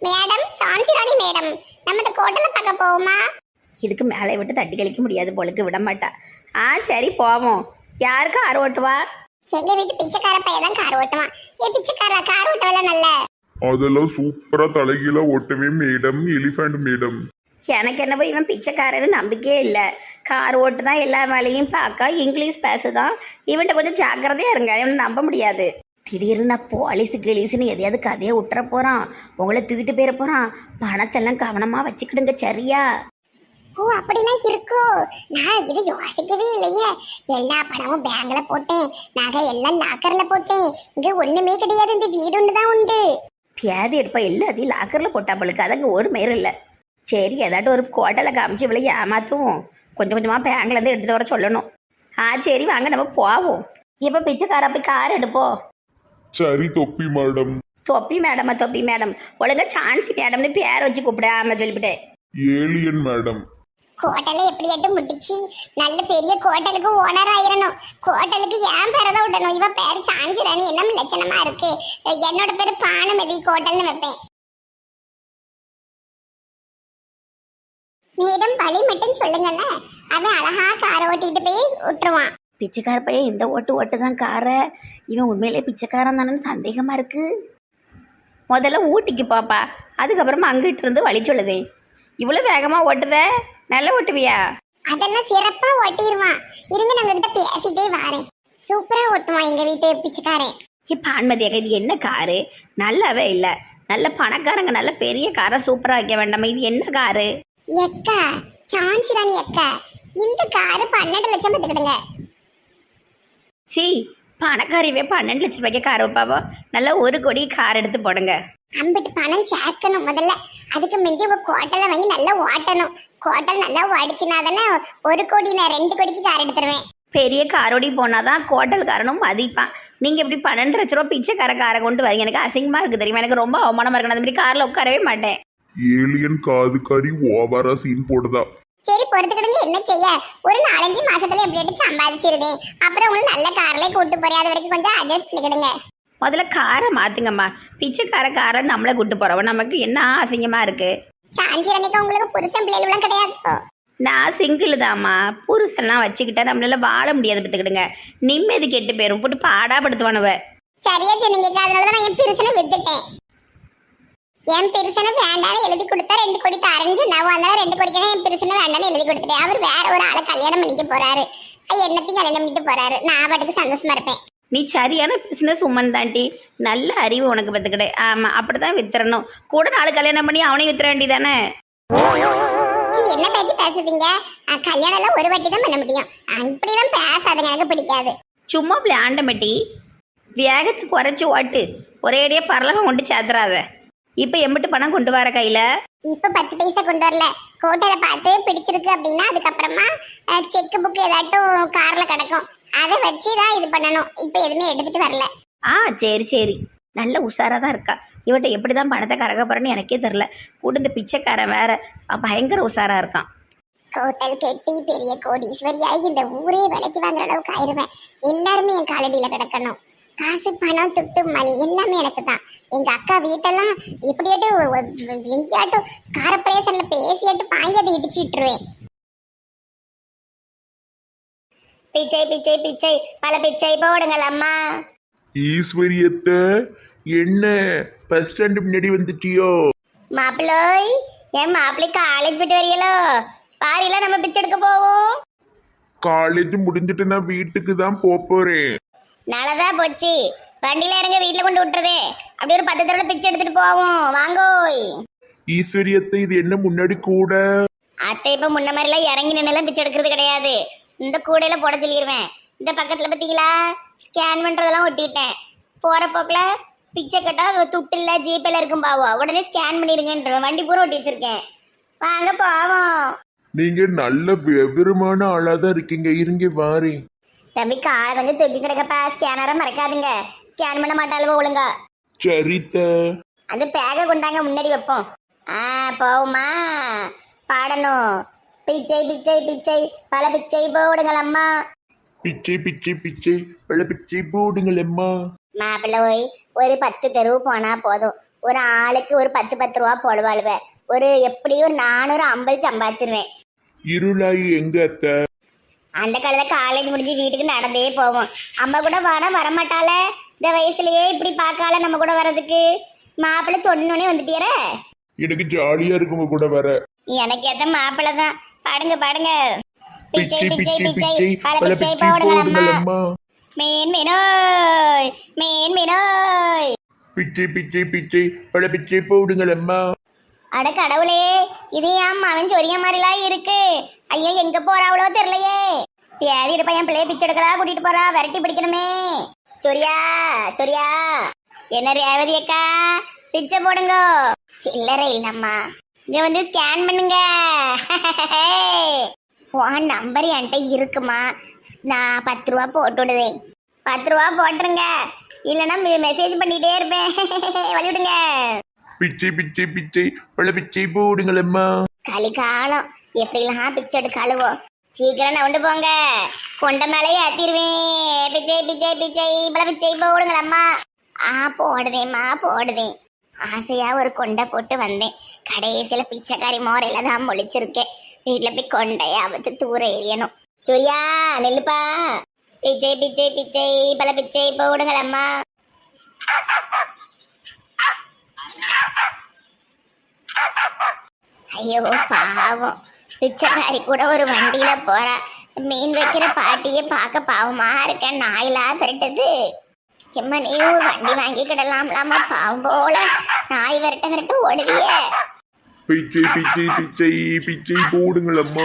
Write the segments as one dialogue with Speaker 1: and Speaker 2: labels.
Speaker 1: Madam சான்சி ராணி madam, நம்ம இந்த ஹோட்டல்ல பார்க்க போவோமா?
Speaker 2: இதுக்கு மேலே விட்டு தட்டி கழிக்க முடியாது போலுக்கு, விட மாட்டா. சரி போவோம். யாருக்கு கார் ஓட்டுவா?
Speaker 1: எங்க வீட்டு பிச்சைக்கார பையன் தான் கார் ஓட்டுவான். பிச்சைக்கார கார் ஓட்டவெல்லாம் நல்ல.
Speaker 3: அதெல்லாம் சூப்பரா தலைகீழ ஓட்டவே மேடம், எலிஃபண்ட் மேடம்.
Speaker 2: எனக்கு என்னவோ இவன் பிச்சைக்காரன்னு நம்பிக்கையே இல்லை. கார் ஓட்டு தான் எல்லா வேலையும் பார்க்க, இங்கிலீஷ் பேசுதான். இவன்கிட்ட கொஞ்சம் ஜாக்கிரதையா இருங்க, இவனை நம்ப முடியாது. திடீர்னு நான் போலீஸு கிளீஸுன்னு எதையாவது கதையை விட்டுற போகிறான், உங்களை தூக்கிட்டு போயிட போகிறான். பணத்தெல்லாம் கவனமாக வச்சுக்கிடுங்க சரியா?
Speaker 1: ஓ அப்படிலாம் இருக்கும். நான் இதை யோசிக்கவே இல்லையே. எல்லா பணமும் பேங்க்ல போட்டேன், நகை எல்லாம் லாக்கர்ல போட்டேன். இங்க ஒண்ணுமே கிடையாது, இந்த வீடு ஒண்ணுதான் உண்டு.
Speaker 2: பியாதி எடுப்பா எல்லாத்தையும் லாக்கரில் போட்டா போலுக்கு, அதங்க ஒரு மேரும் இல்லை. சரி ஏதாட்டும் ஒரு கோட்டலை காமிச்சு இவ்வளோ ஏமாற்றுவோம். கொஞ்சம் கொஞ்சமாக பேங்க்லேருந்து எடுத்துகிட்டு வர சொல்லணும். சரி வாங்க நம்ம போவோம். இப்போ பிச்சைக்கார போய் கார் எடுப்போம்.
Speaker 3: சரி தொப்பி மேடம்.
Speaker 2: தொப்பி மேடமா? தொப்பி மேடம் ஒழுங்கா சான்சி மேடம்னு பேர் வச்சு கூப்பிடாம சொல்லிவிட்டேன்.
Speaker 3: Alien madam.
Speaker 1: ஹோட்டலை எப்படியாட்டும் முடிச்சு நல்ல பெரிய ஹோட்டலுக்கு ஓனர் ஆயிரணும். ஹோட்டலுக்கு ஏன் பேரை தான் விடணும். இவ பேரு சான்சி ராணி, என்ன லட்சணமா இருக்கு. என்னோட பேரு பானுமதி, ஹோட்டல்னு வைப்பேன். மேடம் பழி மட்டும் சொல்லுங்கண்ணே, அவன் அழகா காரை ஓட்டிட்டு போய் விட்டுருவான்.
Speaker 2: பிச்சைக்கார பையன் இந்த ஓட்டு தான் காரை. இவன் உண்மையிலே பிச்சைக்காரன் தானேன்னு சந்தேகமாக இருக்கு. முதல்ல ஊட்டிக்கு பாப்பா, அதுக்கப்புறமா அங்கிட்டு இருந்து வழி சொல்லுதேன். இவ்வளோ வேகமாக ஓட்டுத, நல்லா ஓட்டுவியா?
Speaker 1: அதெல்லாம் சிறப்பா ஓட்டிடுவான். இருங்க நாங்க கிட்ட பேசிட்டே வாரேன். சூப்பரா ஓட்டுவான் எங்க வீட்டு பிச்சைக்காரன்.
Speaker 2: பான்மதியாக இது என்ன காரு? நல்லாவே இல்லை. நல்ல பணக்காரங்க நல்ல பெரிய காரை சூப்பராக வைக்க வேண்டாமா? இது என்ன காரு?
Speaker 1: எக்கா சான்சி ராணி எக்கா, இந்த காரு 12 லட்சம் பத்துக்கிடுங்க.
Speaker 2: சி பணக்காரியவே 12 லட்சம் ரூபாய்க்கு கார் வைப்பாவோ? நல்லா 1 கோடி கார் எடுத்து போடுங்க.
Speaker 1: அம்பிட்டு பணம் சேர்க்கணும் முதல்ல. அதுக்கு முந்தி உங்க கோட்டலை வாங்கி நல்லா ஓட்டணும். கோட்டல் நல்லா ஓடிச்சுனா தானே 1 கோடி, நான் 2 கோடிக்கு கார் எடுத்துருவேன்.
Speaker 2: பெரிய காரோடி போனாதான் கோட்டல் காரனும் மதிப்பான். நீங்கள் இப்படி 12 லட்ச ரூபா பிச்சைக்கார காரை கொண்டு வரீங்க, எனக்கு அசிங்கமாக இருக்குது தெரியுமா? எனக்கு ரொம்ப அவமானமாக இருக்கணும். அந்த மாதிரி காரில் உட்காரவே மாட்டேன்.
Speaker 3: ஏலியன் காது கறி ஓவரா சீன் போடுதா.
Speaker 1: சரி பொறுத்துக்கிடுங்க, என்ன செய்ய. ஒரு 4-5 மாசத்துல எப்படி சம்பாதிச்சிருது. அப்புறம் உங்களுக்கு நல்ல கார்லயே கூட்டு போறேன், அது வரைக்கும் கொஞ்சம் அட்ஜஸ்ட் பண்ணிக்கிடுங்க.
Speaker 2: முதல்ல காரை மாத்துங்கம்மா. பிச்சைக்கார காரை நம்மளை கூட்டு போறோம், நமக்கு என்ன அசிங்கமா இருக்கு.
Speaker 1: சாஞ்சி அன்னைக்கு உங்களுக்கு புருஷன் பிள்ளைகளும் கிடையாது.
Speaker 2: நான் சிங்கிள் தாம்மா. புருஷன்லாம் வச்சுக்கிட்டா நம்மளால வாழ முடியாது. பார்த்துக்கிடுங்க, நிம்மதி கெட்டு போயிரும், போட்டு பாடாப்படுத்துவானுவ.
Speaker 1: சரியா சொன்னீங்க, அதனாலதான் நான் என் பெருசனை வித்துட்டேன். என் பெருசனை வேண்டான்னு எழுதி கொடுத்தா 2 கோடி தரேன்னு சொன்னாவோ, அதனால 2 கோடிக்காக என் பெருசனை வேண்டான்னு எழுதி கொடுத்துட்டேன். அவர் வேற ஒரு ஆளை கல்யாணம் பண்ணிக்க போறாரு. என்னத்தையும் கல்யாணம் பண்ணிட்டு போறாரு. நான் பாட்டுக்கு சந்தோஷமா இருப்பேன்.
Speaker 2: நீ சரியான பிசினஸ் உமன் தாண்டி, நல்ல அறிவு உனக்கு பார்த்துக்கிட்டே. ஆமா அப்படிதான் வித்துறணும். கூட 4 கல்யாணம் பண்ணி அவனையும் வித்துற வேண்டியதானே.
Speaker 1: என்ன பேச்சு பேசுறீங்க? கல்யாணம் எல்லாம் ஒரு வாட்டி தான் பண்ண முடியும். இப்படிலாம் பேசாதுங்க, எனக்கு பிடிக்காது.
Speaker 2: சும்மா விளையாண்டமட்டி, வேகத்தை குறைச்சி ஓட்டு, ஒரேடியா பரலகம் கொண்டு சேர்த்துறாத. இப்ப எம்பிட்டு பணம் கொண்டு வர கையில?
Speaker 1: இப்ப 10 பைசா கொண்டு வரல. கோட்டையில பார்த்து பிடிச்சிருக்கு அப்படின்னா அதுக்கப்புறமா செக் புக் ஏதாட்டும் கார்ல கிடக்கும், அதை வச்சுதான் இது பண்ணணும். இப்ப எதுவுமே எடுத்துட்டு வரல.
Speaker 2: சரி சரி, நல்ல உஷாரா தான் இருக்கா. இவட்ட எப்படிதான் பணத்தை கறக்க போறேன்னு எனக்கே தெரியல. கூட இந்த பிச்சைக்காரன் வேற பயங்கர உஷாரா இருக்கான்.
Speaker 1: ஹோட்டல் கெட்டி பெரிய கோடீஸ்வரியாகி இந்த ஊரே விலைக்கு வாங்குற அளவுக்கு ஆயிருவேன். எல்லாருமே என் காலடியில கிடக்கணும். காசு பணம் துட்டு மணி எல்லாமே எனக்கு தான். எங்க அக்கா வீட்டெல்லாம் எப்படியாட்டும் எங்கேயாட்டும் காரப்பிரேசன்ல பேசியாட்டு பாங்கி அதை இடிச்சுட்டுருவேன். பிச்சை பிச்சை பிச்சை பல பிச்சை போடுங்கள் அம்மா.
Speaker 3: ஈஸ்வரியத்தை என்ன பஸ் ஸ்டாண்டு முன்னாடி வந்துட்டியோ?
Speaker 1: மாப்பிள்ளோய், என் மாப்பிள்ளை காலேஜ் போயிட்டு வரீங்களோ? பாரில நம்ம பிச்சை எடுக்க போவோம்.
Speaker 3: காலேஜ் முடிஞ்சிட்டு நான் வீட்டுக்கு தான் போறேன்.
Speaker 1: நல்லதான் போச்சு. வண்டியில இறங்க வீட்டுல கொண்டு விட்டுறதே. அப்படி ஒரு 10 தடவை பிச்சை எடுத்துட்டு போவோம். வாங்கோய்.
Speaker 3: ஈஸ்வரியத்தை இது என்ன முன்னாடி கூட?
Speaker 1: அத்தை இப்ப முன்ன மாதிரிலாம் இறங்கி நின்னெல்லாம் பிச்சை எடுக்கிறது கிடையாது. இந்த கூடையில போட சொல்லிடுவேன். இந்த பக்கத்துல பத்தீங்களா ஸ்கேன் பண்றதெல்லாம் ஒட்டிட்டேன். போற போக்குல பிச்சை கட்டா துட்டு இல்ல ஜிபேல இருக்கும் பாவோ, உடனே ஸ்கேன் பண்ணிருங்கன்ற வண்டி பூரா ஒட்டி வச்சிருக்கேன். வாங்க போவோம்.
Speaker 3: நீங்க நல்ல விவரமான ஆளாதான் இருக்கீங்க, இருங்க வாரி.
Speaker 1: தம்பி காலை கொஞ்சம் தூக்கி கிடக்கப்பா. ஸ்கேனரை மறக்காதுங்க, ஸ்கேன் பண்ண மாட்டாளுவோ ஒழுங்கா.
Speaker 3: சரித்த.
Speaker 1: அந்த பேக கொண்டாங்க, முன்னாடி வைப்போம். போவுமா? பாடணும். பிச்சை பிச்சை பிச்சை பல பிச்சை போடுங்கள் அம்மா.
Speaker 3: பிச்சை பிச்சை பிச்சை பல பிச்சை போடுங்கள் அம்மா.
Speaker 1: மாப்பிள்ளை போய் ஒரு 10 தெருவு போனா போதும், ஒரு ஆளுக்கு ஒரு 10 ரூபா போடுவாளுவ, ஒரு எப்படியும் ஒரு 450 சம்பாதிச்சிருவேன்.
Speaker 3: இருளாயி எங்க அத்தை?
Speaker 1: அந்த காலத்துல காலேஜ் முடிஞ்சு வீட்டுக்கு நடந்தே போவோம். அம்மா கூட வாடா வரமாட்டால, இந்த வயசுலயே இப்படி பார்க்கால நம்ம கூட வர்றதுக்கு. மாப்பிள்ளை சொன்னோன்னே வந்துட்டியற.
Speaker 3: எனக்கு ஜாலியா இருக்கு உங்க கூட வர.
Speaker 1: எனக்கு ஏத்த மாப்பிள்ளை தான். பாடுங்க பாடுங்க. பிச்சை
Speaker 3: பிச்சை
Speaker 1: பிச்சை
Speaker 3: பிச்சை
Speaker 1: பிச்சை
Speaker 3: பிச்சை
Speaker 1: பல
Speaker 3: பல
Speaker 1: பிச்சை
Speaker 3: பிச்சை
Speaker 1: போடுங்களம்மா.
Speaker 3: போடுங்களம்மா.
Speaker 1: மீன் மீனோய் மீன் மீனோய்.
Speaker 3: பிச்சை பிச்சை பிச்சை பல பிச்சை போடுங்களம்மா.
Speaker 1: அட கடவுளே, இது ஏன் அவன் சொரிய மாதிரிலாம் இருக்கு. ஐயோ எங்க போறாவளோ தெரியலையே. பேரிட்டு பையன் பிள்ளைய பிச்சை எடுக்கிறா, கூட்டிட்டு போறா, விரட்டி பிடிக்கணுமே. சொரியா சொரியா. என்ன ரேவதி அக்கா, பிச்சை போடுங்க. சில்லறை இல்லம்மா, இங்க வந்து ஸ்கேன் பண்ணுங்க. உன் நம்பர் என்கிட்ட இருக்குமா? நான் 10 ரூபா போட்டு விடுதேன். 10 ரூபா போட்டுருங்க, இல்லைன்னா மெசேஜ் பண்ணிட்டே இருப்பேன். வழிவிடுங்க.
Speaker 3: பிச்சை பிச்சை பிச்சை பல பிச்சை போடுங்களம்மா.
Speaker 1: கலிகாலம் எப்படிலாம் பிச்சை எடுக்காளுவோ. சீக்கிரம் நவுண்டு போங்க, கொண்ட மேலேயே ஏத்திடுவேன். பிச்சை பிச்சை பிச்சை பல பிச்சை போடுங்களம்மா. போடுதேம்மா போடுதேன். ஆசையா ஒரு கொண்டை போட்டு வந்தேன், கடைசியில பிச்சைக்காரி மோரையில தான் முழிச்சிருக்கேன். வீட்டுல போய் கொண்டைய அவத்து தூர எறியணும். சூர்யா நெல்லுப்பா. பிச்சை பிச்சை பிச்சை பல பிச்சை போடுங்களம்மா. ஐயோ பாவம், பிச்சைக்காரி கூட ஒரு வண்டியில போறா. மீன் வைக்கிற பாட்டியை பார்க்க பாவமா இருக்க. நாயிலா விரட்டுது. எம்மா நீ ஒரு வண்டி வாங்கி கிடலாம்லாமா, பாவம் போல நாய் விரட்ட விரட்ட ஓடுவிய.
Speaker 3: பிச்சை பிச்சை பிச்சை பிச்சை போடுங்களம்மா.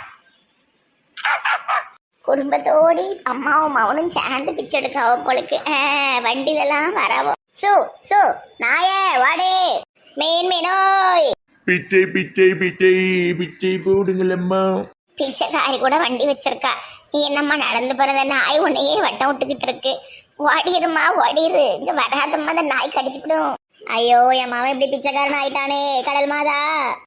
Speaker 1: குடும்பத்தோடி அம்மாவும் மவனும் சேர்ந்து பிச்சை எடுக்காவோ போலுக்கு. வண்டியில எல்லாம் வரவோ. சு சு நாயே வாடே. மீன் மீனோய்.
Speaker 3: பிச்சை பிச்சை பிச்சை பிச்சை போடுங்களம்மா.
Speaker 1: பிச்சைக்காரி கூட வண்டி வச்சிருக்கா, நீ என்னம்மா நடந்து போறத? நாய் உன்னையே வட்டம் விட்டுக்கிட்டு இருக்கு. ஓடிருமா ஓடிரு, இங்க வராதம்மா, அந்த நாய் கடிச்சுவிடும். ஐயோ என் மாவன் இப்படி பிச்சைக்காரன் ஆயிட்டானே. கடல் மாதா.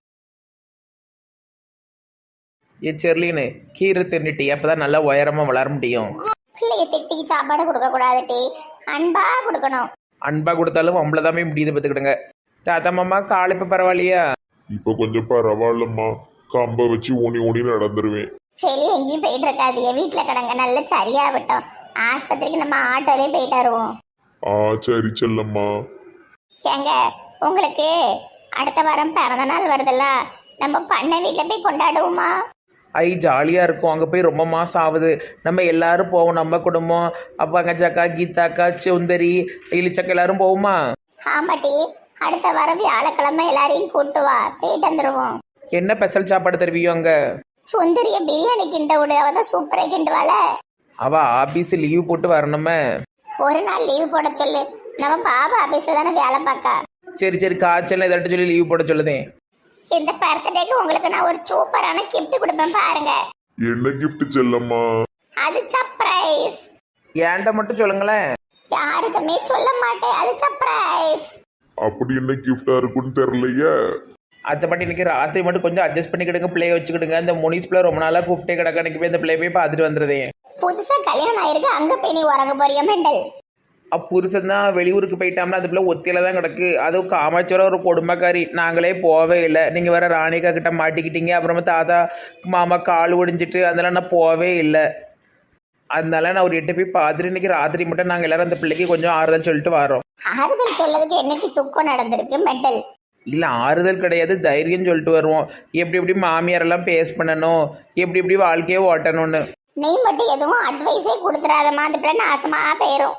Speaker 4: ஏ செர்லின்னு கீரை தின்னுட்டி அப்பதான் நல்லா உயரமா வளர முடியும்.
Speaker 1: பிள்ளைய திட்டிக்கு சாப்பாடு கொடுக்க கூடாது டி, அன்பா கொடுக்கணும்.
Speaker 4: அன்பா கொடுத்தாலும் அம்பளதாமே முடியுது பார்த்துக்கிடுங்க. தாத்தா மாமா கால் இப்ப பரவாயில்லையா?
Speaker 3: இப்ப கொஞ்சம் பரவாயில்லம்மா, கம்ப வச்சு ஊனி ஊனி நடந்துருவேன்.
Speaker 1: வெளியே எங்கேயும் போயிட்டு இருக்காதிய, வீட்டுல கிடங்க. நல்ல சரியா விட்டோம், ஆஸ்பத்திரிக்கு நம்ம ஆட்டோலயே போயிட்டு வருவோம்.
Speaker 3: சரி செல்லம்மா.
Speaker 1: ஏங்க உங்களுக்கு அடுத்த வாரம் பிறந்த நாள் வருதுல்ல, நம்ம பண்ண வீட்டுல போய் கொண்டாடுவோமா?
Speaker 4: ஐ ஜாலியாக இருக்கும். அங்கே போய் ரொம்ப மாதம் ஆகுது. நம்ம எல்லாரும் போவோம், நம்ம குடும்பம், அப்பா அங்கச்சாக்கா கீதாக்கா சுந்தரி இளிச்சக்கா எல்லாரும் போவோமா?
Speaker 1: ஆமாட்டி, அடுத்த வாரம் வியாழக்கிழமை எல்லாரையும் கூட்டு வா, போயிட்டு வந்துருவோம்.
Speaker 4: என்ன ஸ்பெஷல் சாப்பாடு தருவியோ அங்கே?
Speaker 1: சுந்தரிய பிரியாணி கிண்ட விடு, அவதான் சூப்பரா கிண்டுவாள.
Speaker 4: அவள் ஆஃபீஸ் லீவ் போட்டு வரணுமே.
Speaker 1: ஒரு நாள் லீவ் போட சொல்லு, நம்ம பாபா ஆபீஸ்ல தானே வேலை பார்க்கா.
Speaker 4: சரி சரி, காய்ச்சல் எதாட்டு சொல்லி லீவ் போட சொல்லுதேன்.
Speaker 1: இந்த பர்த்டேக்கு உங்களுக்கு நான் ஒரு சூப்பரான கிஃப்ட் கொடுப்பேன் பாருங்க.
Speaker 3: என்ன கிஃப்ட் செல்லம்மா?
Speaker 1: அது சர்ப்ரைஸ்.
Speaker 4: ஏன்ட்ட மட்டும் சொல்லுங்களேன்.
Speaker 1: யாருக்குமே சொல்ல மாட்டேன், அது சர்ப்ரைஸ்.
Speaker 3: அப்படி என்ன கிஃப்டா இருக்குன்னு தெரியலையே.
Speaker 4: அதை பற்றி இன்னைக்கு ராத்திரி மட்டும் கொஞ்சம் அட்ஜஸ்ட் பண்ணிக்கிடுங்க, பிள்ளைய வச்சுக்கிடுங்க. அந்த முனிஸ் பிள்ளை ரொம்ப நாளாக கூப்பிட்டே கிடக்க, அன்னைக்கு போய் அந்த பிள்ளைய போய் பார்த்துட்டு வந்துடுதேன்.
Speaker 1: புதுசா கல்யாணம் ஆயிருக்கு, அங்க போய் நீ உறங்க போறியா மெண்டல்?
Speaker 4: புருஷன் தான் வெளியூருக்கு போயிட்டாம்னா அது பிள்ளை ஒத்தியில தான் கிடக்கு. அதுவும் காமாட்சியோட ஒரு கொடுமைக்காரி, நாங்களே போவே இல்லை. நீங்கள் வேற ராணிகா கிட்ட மாட்டிக்கிட்டீங்க, அப்புறமா தாத்தா மாமா கால் ஒடிஞ்சிட்டு அதெல்லாம் நான் போவே இல்லை. அதனால நான் ஒரு 8 போய் பார்த்துட்டு இன்னைக்கு ராத்திரி மட்டும் நாங்கள் எல்லாரும் அந்த பிள்ளைக்கு கொஞ்சம் ஆறுதல் சொல்லிட்டு வரோம்.
Speaker 1: ஆறுதல் சொல்லதுக்கு என்னைக்கு துக்கம் நடந்திருக்கு மெண்டல்?
Speaker 4: இல்லை ஆறுதல் கிடையாது, தைரியம் சொல்லிட்டு வருவோம். எப்படி எப்படி மாமியாரெல்லாம் பேஸ் பண்ணணும், எப்படி எப்படி வாழ்க்கையை ஓட்டணும்னு.
Speaker 1: நீ மட்டும் எதுவும் அட்வைஸே கொடுத்துடாதமா, அந்த பிள்ளை நாசமா போயிரும்.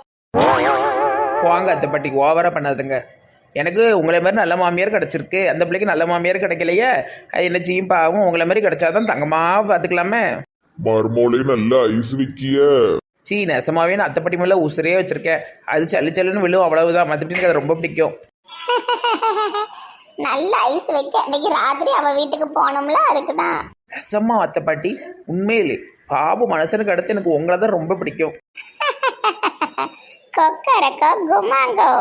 Speaker 4: போங்க அத்தை பாட்டி, ஓவராக பண்ணாதுங்க. எனக்கு உங்களை மாதிரி நல்ல மாமியார் கிடச்சிருக்கு, அந்த பிள்ளைக்கு நல்ல மாமியார் கிடைக்கலையே. அது என்ன செய்யும் பாவம், உங்களை மாதிரி கிடைச்சாதான் தங்கமாக பார்த்துக்கலாமே.
Speaker 3: மர்மோலே நல்ல ஐஸ் விக்கிய.
Speaker 4: சீ நெசமாவே நான் அத்தை பாட்டி மேலே உசுரே வச்சிருக்கேன். அது சல்லு சல்லுன்னு விழும், அவ்வளவுதான். மற்றபடி எனக்கு அது ரொம்ப பிடிக்கும்.
Speaker 1: நல்ல ஐஸ் வைக்க அன்னைக்கு ராத்திரி அவ வீட்டுக்கு போனோம்ல, அதுக்குதான்.
Speaker 4: நெசமா அத்தை பாட்டி, உண்மையிலே பாபு மனசனுக்கு அடுத்து எனக்கு உங்களை தான் ரொம்ப பிடிக்கும்.
Speaker 1: கொக்கரக்கோ குமாங்கோ.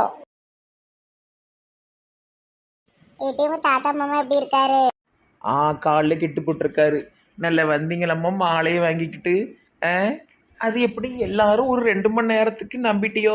Speaker 1: ஏடிஎம் தாத்தா மாமா எப்படி இருக்காரு?
Speaker 4: காலில் கிட்டு போட்டிருக்காரு. நல்ல வந்தீங்களம்மா மாலையை வாங்கிக்கிட்டு. அது எப்படி எல்லாரும் ஒரு 2 மணி நேரத்துக்கு நம்பிட்டியோ?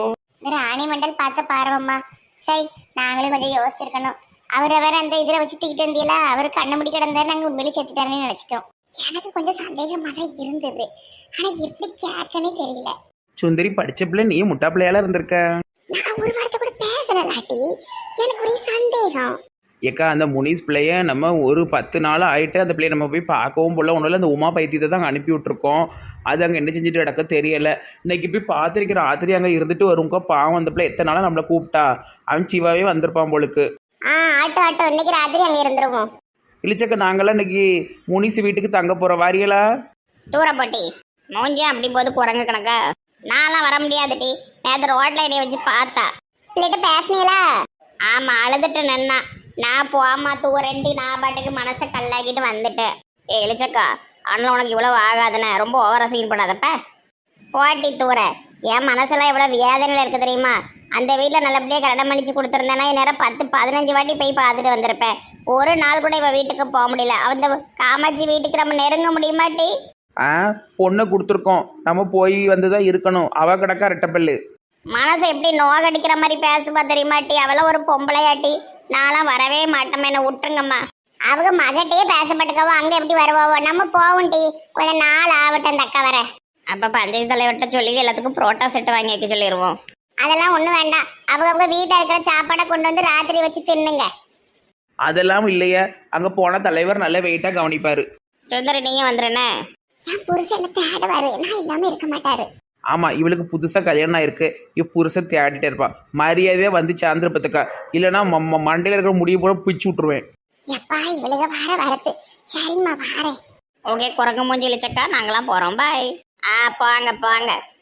Speaker 1: இந்த ராணி மண்டல் பார்த்து பாருவம்மா. சரி, நாங்களும் கொஞ்சம் யோசிச்சிருக்கணும். அவரை வேற அந்த இதுல வச்சு தூக்கிட்டு இருந்தீங்களா, அவரு கண்ணு முடி கிடந்தாரு, நாங்க உண்மையிலே செத்துட்டாருன்னு நினைச்சிட்டோம். எனக்கு கொஞ்சம் சந்தேகமா தான் இருந்தது, ஆனா எப்படி கேட்கனே தெரியல.
Speaker 4: சுந்தரி படிச்ச பிள்ளை நீ முட்டா பிள்ளையால இருந்திருக்க.
Speaker 1: நான் ஒரு வார்த்தை கூட பேசலாட்டி எனக்கு ஒரே சந்தேகம்.
Speaker 4: ஏக்கா அந்த முனிஸ் பிள்ளைய நம்ம ஒரு 10 நாள் ஆயிட்டு அந்த பிள்ளைய நம்ம போய் பார்க்கவும் போல ஒன்றும் அந்த உமா பைத்தியத்தை தான் அங்கே அனுப்பி விட்ருக்கோம். அது அங்கே என்ன செஞ்சுட்டு கிடக்க தெரியல. இன்னைக்கு போய் பார்த்துருக்கிற ராத்திரி அங்கே இருந்துட்டு வருங்கோ. பாவம் அந்த பிள்ளை எத்தனை நாளாக நம்மளை கூப்பிட்டா. அவன் சிவாவே வந்திருப்பான் போலுக்கு.
Speaker 1: ஆட்டோ இன்னைக்கு ராத்திரி அங்கே இருந்துருவோம்.
Speaker 4: இழிச்சக்க நாங்களாம் இன்னைக்கு முனிஸ் வீட்டுக்கு தங்க போகிற வாரியலா
Speaker 1: தூரப்பட்டி மூஞ்சியா அப்படி போது குரங்கு கணக்கா. நான்லாம் வர முடியாதுட்டி. நேற்று ரோட்ல என்னைய வச்சு பார்த்தா. பிள்ளைகிட்ட பேசுனீங்களா? ஆமா, அழுதுட்டு நின்னா. நான் போமா தூரண்டி நான் பாட்டுக்கு மனசை கல்லாக்கிட்டு வந்துட்டேன். இழிச்சக்கா ஆனால் உனக்கு இவ்வளவு ஆகாதுன்னு ரொம்ப ஓவரா சீன் பண்ணாதப்ப. போட்டி தூர என் மனசெல்லாம் எவ்வளவு வேதனையில் இருக்கு தெரியுமா? அந்த வீட்டில் நல்லபடியாக கல்யாணம் பண்ணிச்சு கொடுத்துருந்தேன்னா நேரம் 10-15 வாட்டி போய் பார்த்துட்டு வந்திருப்பேன். ஒரு நாள் கூட இவ வீட்டுக்கு போக முடியல. அந்த காமாட்சி வீட்டுக்கு நம்ம நெருங்க முடியுமாட்டி?
Speaker 4: பொண்ணை கொடுத்துருக்கோம், நம்ம போய் வந்து தான் இருக்கணும். அவ கிடக்கா ரெட்டப்பல்லு.
Speaker 1: மனசை எப்படி நோகடிக்கிற மாதிரி பேசுவா தெரியுமாட்டி? அவளாம் ஒரு பொம்பளையாட்டி. நான்லாம் வரவே மாட்டோம், என்ன விட்டுருங்கம்மா. அவங்க மகட்டையே பேசப்பட்டுக்கவோ அங்கே எப்படி வருவாவோ. நம்ம போவோம் டி, கொஞ்சம் நாள் ஆகட்டும் அந்த அக்கா வர. அப்போ பஞ்சாயத்து தலைவர்கிட்ட சொல்லி எல்லாத்துக்கும் புரோட்டா செட்டு வாங்கி வைக்க சொல்லிடுவோம். அதெல்லாம் ஒன்றும் வேண்டாம். அவங்க வீட்டில் இருக்கிற சாப்பாடை கொண்டு வந்து ராத்திரி வச்சு தின்னுங்க.
Speaker 4: அதெல்லாம் இல்லையா, அங்கே போனால் தலைவர் நல்ல வெயிட்டாக கவனிப்பார்.
Speaker 1: சுந்தரி நீயும் வந்துடுனே. என் புருஷன் என்ன தேடுவாரு, நான் இல்லாமல் இருக்க மாட்டாரு.
Speaker 4: ஆமாம், இவளுக்கு புதுசாக கல்யாணம் ஆயிருக்கு. புருஷன் தேடிட்டே இருப்பான். மரியாதையாக வந்து சாந்திரப்பத்துக்கா, இல்லைன்னா மண்டையில் இருக்கிற முடிய போல பிச்சு விட்ருவேன்.
Speaker 1: எப்பா இவளுக வரத்து. சரிம்மா வாரேன். ஓகே குரங்கு மூஞ்சி இழிச்சக்கா, நாங்களாம் போகிறோம். பாய். போங்க.